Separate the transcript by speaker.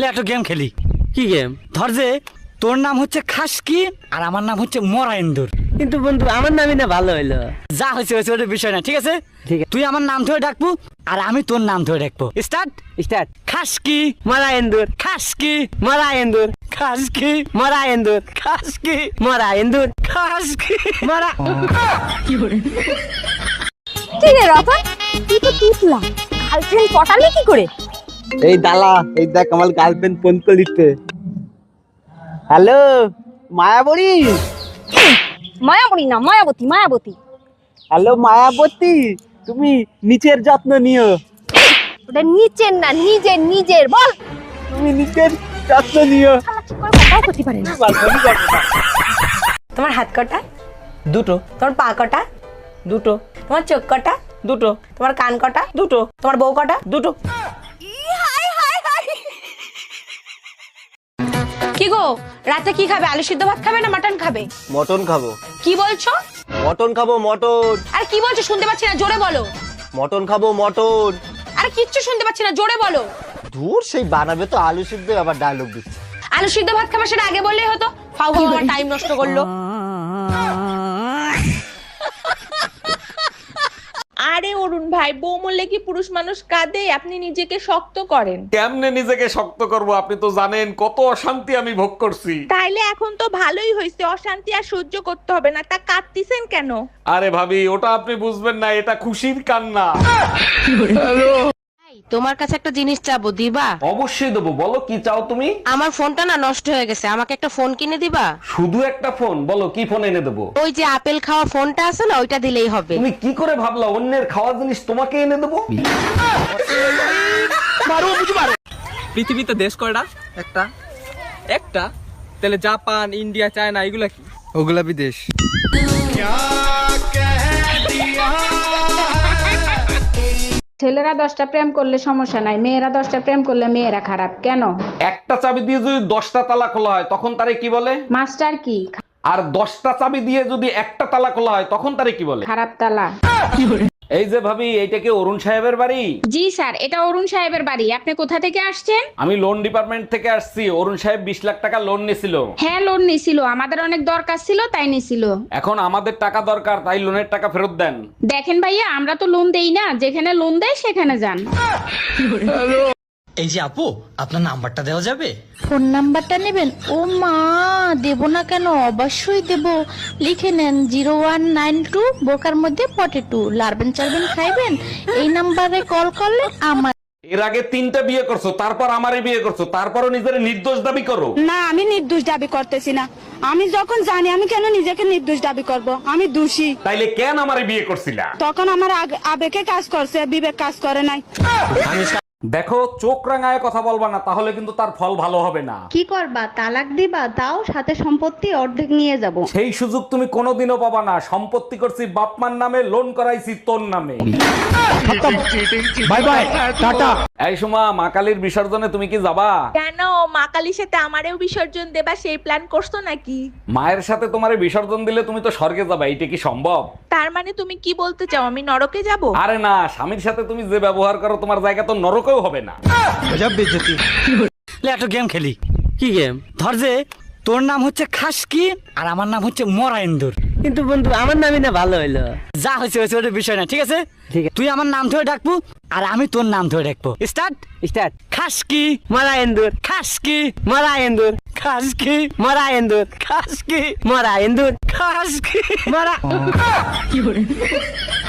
Speaker 1: একটা গেম খেলি।
Speaker 2: কি গেম?
Speaker 1: ধর যে তোর নাম হচ্ছে খাসকি আর আমার নাম হচ্ছে মরা ইন্দুর।
Speaker 2: কিন্তু বন্ধু আমার নামই না ভালো হইলো।
Speaker 1: যা হয়েছে হয়েছে, ওটা বিষয় না, ঠিক আছে?
Speaker 2: ঠিক আছে।
Speaker 1: তুই আমার নাম ধরে ডাকবো আর আমি তোর নাম ধরে ডাকবো। স্টার্ট।
Speaker 2: স্টার্ট।
Speaker 1: খাসকি
Speaker 2: মরা এন্দুর।
Speaker 1: খাসকি
Speaker 2: মরা এন্দুর।
Speaker 1: খাসকি
Speaker 2: মরা এন্দুর।
Speaker 1: খাসকি
Speaker 2: মরা এন্দুর।
Speaker 1: খাসকি
Speaker 2: মরা।
Speaker 3: কি রে রতন, তুই তো তুতলা, গার্লফ্রেন্ড পটালি কি করে?
Speaker 2: এই দালা, এই দেখ আমার গার্লফ্রেন্ড ফোন করে দিচ্ছে। হ্যালো মায়াবরী।
Speaker 3: মায়াবতী না, মায়াবতী, মায়াবতী।
Speaker 2: হ্যালো মায়াবতী, তুমি নিচের যত্ন নিও।
Speaker 3: ওটা নিচের না, নিজের, নিজের বল।
Speaker 2: তুমি নিচের যত্ন নিও।
Speaker 3: শালা ঠিক করে কথাও করতে পারে না।
Speaker 4: তোমার হাত কটা?
Speaker 2: দুটো।
Speaker 4: তোমার পা কটা?
Speaker 2: দুটো।
Speaker 4: তোমার চোখ কটা?
Speaker 2: দুটো।
Speaker 4: তোমার কান কটা?
Speaker 2: দুটো।
Speaker 4: তোমার বউ কটা?
Speaker 2: দুটো।
Speaker 4: কি গো, রাতে কি খাবে? আলু সিদ্ধ ভাত খাবে না মাটন খাবে?
Speaker 2: মটন খাবো।
Speaker 4: কি বলছো?
Speaker 2: মটন খাবো মটন।
Speaker 4: আর কি বলছো শুনতে পাচ্ছি না, জোরে বলো।
Speaker 2: মটন খাবো মটন।
Speaker 4: আর কিচ্ছু শুনতে পাচ্ছি না, জোরে বলো।
Speaker 2: দূর, সেই বানাবে তো আলু সিদ্ধ, আবার ডায়লগ দিচ্ছে।
Speaker 4: আলু সিদ্ধ ভাত খাবে সেটা আগে বললেই হতো। ফাউ ফাউ আমার টাইম নষ্ট করলো।
Speaker 5: আরে অরুণ ভাই, বউ মরলে কি পুরুষ মানুষ কাঁদে? আপনি নিজেকে শক্ত করেন।
Speaker 6: কেমনে নিজেকে শক্ত করব? আপনি তো জানেন কত অশান্তি আমি ভোগ করছি।
Speaker 5: তাইলে এখন তো ভালোই হয়েছে, অশান্তি আর সহ্য করতে হবে না। তা কাঁদতিছেন কেন?
Speaker 6: আরে ভাবি, ওটা আপনি বুঝবেন না, এটা খুশির কান্না।
Speaker 4: তোমার কাছে একটা জিনিস চাবো, দিবা?
Speaker 6: অবশ্যই দেবো, বলো কি চাও তুমি?
Speaker 4: আমার ফোনটা না নষ্ট হয়ে গেছে, আমাকে একটা ফোন কিনে দিবা?
Speaker 6: শুধু একটা ফোন? বলো কি ফোন এনে দেবো।
Speaker 4: ওই যে আপেল খাওয়া ফোনটা আছে না, ওইটা দিলেই হবে।
Speaker 6: তুমি কি করে ভাবলা অন্যের খাওয়া জিনিস তোমাকে এনে দেবো?
Speaker 7: পৃথিবীতে দেশ কয়টা?
Speaker 2: একটা।
Speaker 7: একটা? তাহলে জাপান, ইন্ডিয়া, চায়না এগুলা কি?
Speaker 8: ওগুলা বিদেশ।
Speaker 9: ছেলেরা 10টা প্রেম করলে সমস্যা নাই, মেয়েরা 10টা প্রেম করলে মেয়েরা খারাপ কেন?
Speaker 6: একটা চাবি দিয়ে যদি 10টা তালা খোলা হয় তখন তারে কি বলে?
Speaker 9: মাস্টার কি?
Speaker 6: আর 10টা চাবি দিয়ে যদি একটা তালা খোলা হয় তখন তারে কি বলে?
Speaker 9: খারাপ তালা।
Speaker 6: এই যে ভাবি, এইটা কি অরুণ সাহেবের বাড়ি?
Speaker 9: জি স্যার, এটা অরুণ সাহেবের বাড়ি। আপনি কোথা থেকে আসছেন?
Speaker 6: আমি লোন ডিপার্টমেন্ট থেকে আসছি। অরুণ সাহেব 20 লাখ টাকা লোন নিছিল।
Speaker 9: হ্যাঁ, লোন নিছিল, আমাদের অনেক দরকার ছিল তাই নিছিল।
Speaker 6: এখন আমাদের টাকা দরকার, তাই লোনের টাকা ফেরত দেন।
Speaker 9: দেখেন ভাইয়া, আমরা তো লোন দেই না, যেখানে লোন দেয় সেখানে যান।
Speaker 1: এই যে আপু, আপনার নাম্বারটা দেওয়া যাবে?
Speaker 3: ফোন নাম্বারটা নেবেন? ও মা, দেব না কেন, অবশ্যই দেব। লিখে নেন 0192 বোকার মধ্যে পটেটো, লারবেন চারবেন খাইবেন। এই নাম্বারে কল করলে আমার।
Speaker 6: এর আগে 3টা বিয়ে করছো, তারপর আমারে বিয়ে করছো, তারপরও নিজের নির্দোষ দাবি করো।
Speaker 9: না, আমি নির্দোষ দাবি করতেছি না। আমি যখন জানি, আমি কেন নিজেকে নির্দোষ দাবি করব? আমি দোষী।
Speaker 6: তাইলে কেন আমারে বিয়ে করছিলা?
Speaker 9: তখন আমার আবেগে কাজ করছে, বিবেক কাজ করে নাই।
Speaker 6: দেখো, চোখ রাঙায় কথা বলবা না, তাহলে কিন্তু তার ফল ভালো হবে না।
Speaker 3: কি করবা? তালাক দিবা? তাও সাথে সম্পত্তি অর্ধেক নিয়ে যাব।
Speaker 6: সেই সুযোগ তুমি কোনোদিনও পাবা না। সম্পত্তি করছি বাপমার নামে, লোন করাইছি তোর নামে।
Speaker 1: Bye bye, tata.
Speaker 6: এই সুমা, মা কালীর বিসর্জনে তুমি কি যাবা?
Speaker 5: কেন, মা কালীর সাথে আমারেও বিসর্জন দেবা সেই প্ল্যান করছো নাকি?
Speaker 6: মায়ের সাথে তোমারে বিসর্জন দিলে তুমি তো স্বর্গে যাবা, এইটা কি সম্ভব?
Speaker 5: তার মানে তুমি কি বলতে চাও আমি নরকে যাব?
Speaker 6: আরে না, স্বামীর সাথে তুমি যে ব্যবহার করো তোমার জায়গা তো নরকেও হবে না।
Speaker 1: একটা গেম খেলি।
Speaker 2: কি গেম?
Speaker 1: ধর যে তোর নাম হচ্ছে খাসকি আর আমার নাম হচ্ছে মরা ইন্দুর।
Speaker 2: কিন্তু বন্ধু আমার নামই না ভালো হইলো।
Speaker 1: যা হয়েছে হয়েছে, ওটা বিষয় না, ঠিক আছে?
Speaker 2: ঠিক আছে।
Speaker 1: তুই আমার নাম ধরে ডাকবো আর আমি তোর নাম ধরে ডাকবো। স্টার্ট।
Speaker 2: স্টার্ট।
Speaker 1: খাসকি
Speaker 2: মরা এন্দুর।
Speaker 1: খাসকি
Speaker 2: মরা এন্দুর।
Speaker 1: খাসকি
Speaker 2: মরা এন্দুর।
Speaker 1: খাসকি
Speaker 2: মরা এন্দুর।
Speaker 1: খাসকি
Speaker 2: মরা।